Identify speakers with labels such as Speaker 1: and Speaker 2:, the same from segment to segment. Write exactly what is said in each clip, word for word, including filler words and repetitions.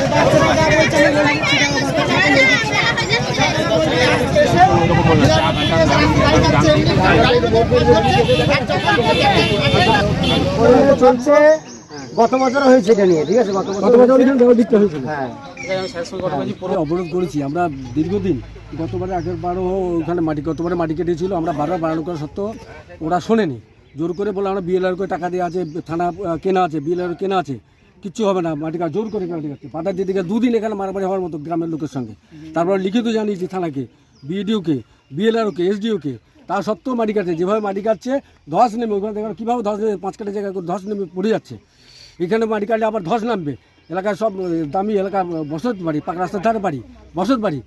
Speaker 1: চলছে গত বছর হয়েছে এটা নিয়ে, ঠিক আছে? গত বছর হয়েছিল। হ্যাঁ,
Speaker 2: অবরোধ করেছি আমরা দীর্ঘদিন। গতবারে আগের বারও ওখানে মাটি গতবারে মাটি কেটেছিল, আমরা বারবার বারণ করা সত্ত্বেও ওরা শোনেনি। জোর করে বলে আমরা বিএলআর করে টাকা দিয়ে আছে, থানা কেনা আছে, বিএলআর কেনা আছে, কিচ্ছু হবে না, মাটি কাজ জোর করে মাটি কাটছে। পাতার দিদিকে দুদিন এখানে মারামারি হওয়ার মতো গ্রামের লোকের সঙ্গে। তারপর লিখিত জানিয়েছি থানাকে, বিডিওকে, বিএলআরকে, এসডিওকে, তা সত্ত্বেও মাটি কাটছে। যেভাবে মাটি কাটছে ধস নেমে ওখানে দেখেন কীভাবে ধস নেমে পাঁচ কাটা জায়গায় ধস নেমে পড়ে যাচ্ছে। এখানে মাটি কাটলে আবার ধস নামবে। এলাকার সব দামি এলাকা বসত বাড়ি, পাকা রাস্তার ধারে বাড়ি, বসত বাড়ি,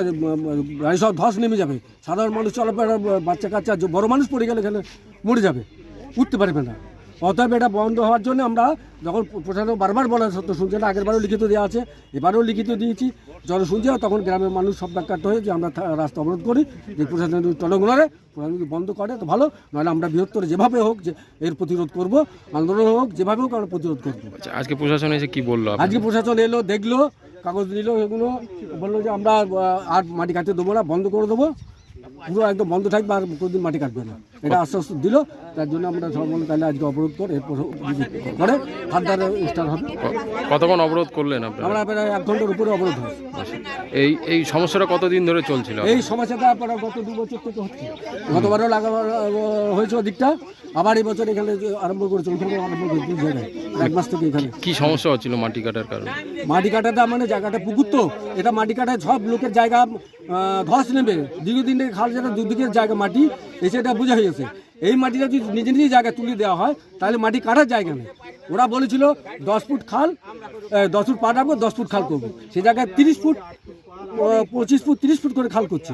Speaker 2: সব ধস নেমে যাবে। সাধারণ মানুষ চলাফেরা, বাচ্চা কাচ্চা, বড় মানুষ পড়ে গেলে এখানে মরে যাবে, উঠতে পারবে না। অতএব এটা বন্ধ হওয়ার জন্য আমরা যখন প্রশাসন বারবার বলা সত্য শুনছে না, আগেরবারও লিখিত দেওয়া আছে, এবারেও লিখিত দিয়েছি। যখন শুনছে তখন গ্রামের মানুষ সব ডাক্তার হয়ে যে আমরা রাস্তা অবরোধ করি, যে প্রশাসন যদি টলগ্নরে প্রশাসন যদি বন্ধ করে তো ভালো, নাহলে আমরা বৃহত্তর যেভাবে হোক যে এর প্রতিরোধ করব, আন্দোলন হোক যেভাবে হোক আমরা প্রতিরোধ করবো।
Speaker 3: আজকে প্রশাসন এসে কি বললো?
Speaker 2: আজকে প্রশাসন এলো, দেখলো, কাগজ নিল, এগুলো বললো যে আমরা আর মাটি কাটতে দেবো না, বন্ধ করে দেবো, পুরো একদম বন্ধ থাকবে, আর কোনোদিন মাটি কাটবে না, এটা আশ্বাস দিল। তার জন্য আমরা সব বলে তাহলে আজকে অবরোধ করে এরপর করে হাতদার স্টার্ট হবে।
Speaker 3: কতক্ষণ অবরোধ করলেন আপনারা?
Speaker 2: আমরা প্রায় এক ঘন্টার উপরে অবরোধ হয়।
Speaker 3: এই এই সমস্যাটা কতদিন ধরে চলছিল?
Speaker 2: এই সমস্যাটা আপনারা গত দু বছর থেকে হচ্ছে। গতবারও লাগা হয়েছে ওদিকটা, আবার এই বছর এখানে আরম্ভ করেছে, ওইখানে আরম্ভ করেছে দুই জায়গায় এক মাস থেকে। এখানে
Speaker 3: কি সমস্যা হচ্ছিল মাটি কাটার কারণে?
Speaker 2: মাটি কাটাটা মানে জায়গাটা পুকুর, তো এটা মাটি কাটায় সব লোকের জায়গা ধস নেবে। দীর্ঘদিন থেকে খাল যেটা দুদিকের জায়গা মাটি এসে এটা বোঝা হয়েছে। এই মাটিটা যদি নিজে নিজের জায়গায় তুলে দেওয়া হয় তাহলে মাটি কাটার জায়গা নেই। ওরা বলেছিল দশ ফুট খাল, দশ ফুট পা রাখবো, দশ ফুট খাল করবো, সে জায়গায় তিরিশ ফুট, পঁচিশ ফুট, তিরিশ ফুট করে খাল করছে,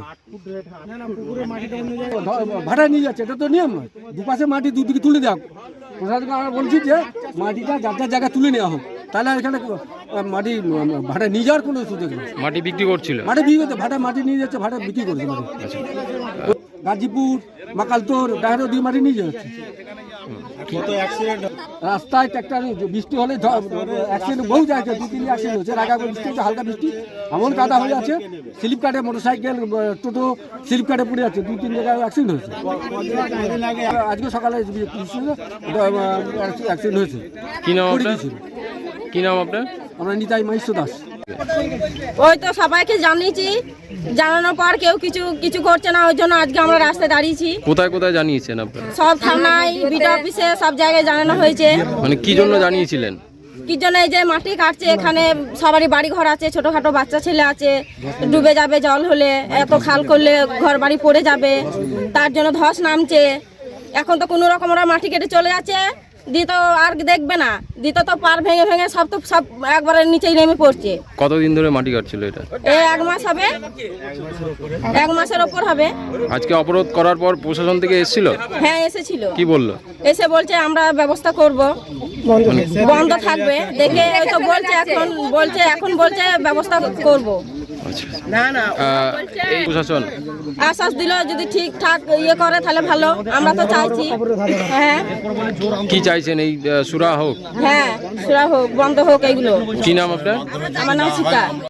Speaker 2: ভাড়া নিয়ে যাচ্ছে। এটা তো নিয়ম নয়, দুপাশে মাটি দুদিকে তুলে দেওয়া। প্রশাসনকে আমরা বলছি যে মাটিটা যার যার জায়গায় তুলে নেওয়া হোক, তাহলে এখানে মাটি ভাড়া নিয়ে যাওয়ার কোনো সুযোগ নেই।
Speaker 3: মাটি বিক্রি করছিল,
Speaker 2: মাটি বিক্রি করছে, ভাড়া মাটি নিয়ে যাচ্ছে, ভাড়া বিক্রি করছে মাটি। গাজীপুর, মাকালতোর, ডায়রো দিয়ে মাটি নিয়ে যাচ্ছে। রাস্তায় ট্র্যাক্টর বৃষ্টি হলে অ্যাক্সিডেন্ট বহু জায়গায়, দু তিন অ্যাক্সিডেন্ট হচ্ছে। রাগা বৃষ্টি হচ্ছে, হালকা বৃষ্টি এমন কাদা হয়ে আছে, স্লিপ কাটে মোটর সাইকেল, টোটো স্লিপ কাটে পড়ে যাচ্ছে, দু তিন জায়গায় অ্যাক্সিডেন্ট হয়েছে। আজকে সকালে অ্যাক্সিডেন্ট হয়েছে।
Speaker 3: কি নাম আপনার? কি নাম আপনার?
Speaker 2: আমরা নিতাই মাইশ্র দাস।
Speaker 4: ওই তো সবাইকে জানিয়েছি, জানানোর পর কেউ কিছু কিছু করছে না, ওই জন্য আজকে আমরা রাস্তায় দাঁড়িয়েছি।
Speaker 3: কোথায় কোথায় জানিয়েছেন আপনারা?
Speaker 4: সব থানায়, বিডিও অফিসে, সব জায়গায় জানানো হয়েছে।
Speaker 3: মানে কি জন্য জানিয়েছিলেন?
Speaker 4: কি জন্য? এই যে মাটি কাটছে, এখানে সবারই বাড়ি ঘর আছে, ছোটখাটো বাচ্চা ছেলে আছে, ডুবে যাবে জল হলে, এত খাল করলে ঘর বাড়ি পড়ে যাবে, তার জন্য ধস নামছে। এখন তো কোনো রকম ওরা মাটি কেটে চলে যাচ্ছে, দিত আর দেখবে না, দিত তো পার ভেঙে ভেঙে সব তো সব একবারে নিচেই নেমে পড়ছে।
Speaker 3: কতদিন ধরে মাটি কাটছিল এটা?
Speaker 4: এই এক মাস হবে, এক মাসের ওপর হবে।
Speaker 3: আজকে অবরোধ করার পর প্রশাসন থেকে এসেছিল?
Speaker 4: হ্যাঁ এসেছিল।
Speaker 3: কি বললো?
Speaker 4: এসে বলছে আমরা ব্যবস্থা করব, বন্ধ থাকবে। দেখে ওই তো বলছে এখন, বলছে এখন বলছে ব্যবস্থা করব।
Speaker 3: না না প্রশাসন
Speaker 4: আশ্বাস দিল যদি ঠিকঠাক ইয়ে করে তাহলে ভালো, আমরা তো চাইছি। হ্যাঁ
Speaker 3: কি চাইছেন? এই সুরা হোক?
Speaker 4: হ্যাঁ সুরা হোক, বন্ধ হোক এইগুলো।
Speaker 3: কি নাম আপনার?
Speaker 4: আমার নাম সীতা।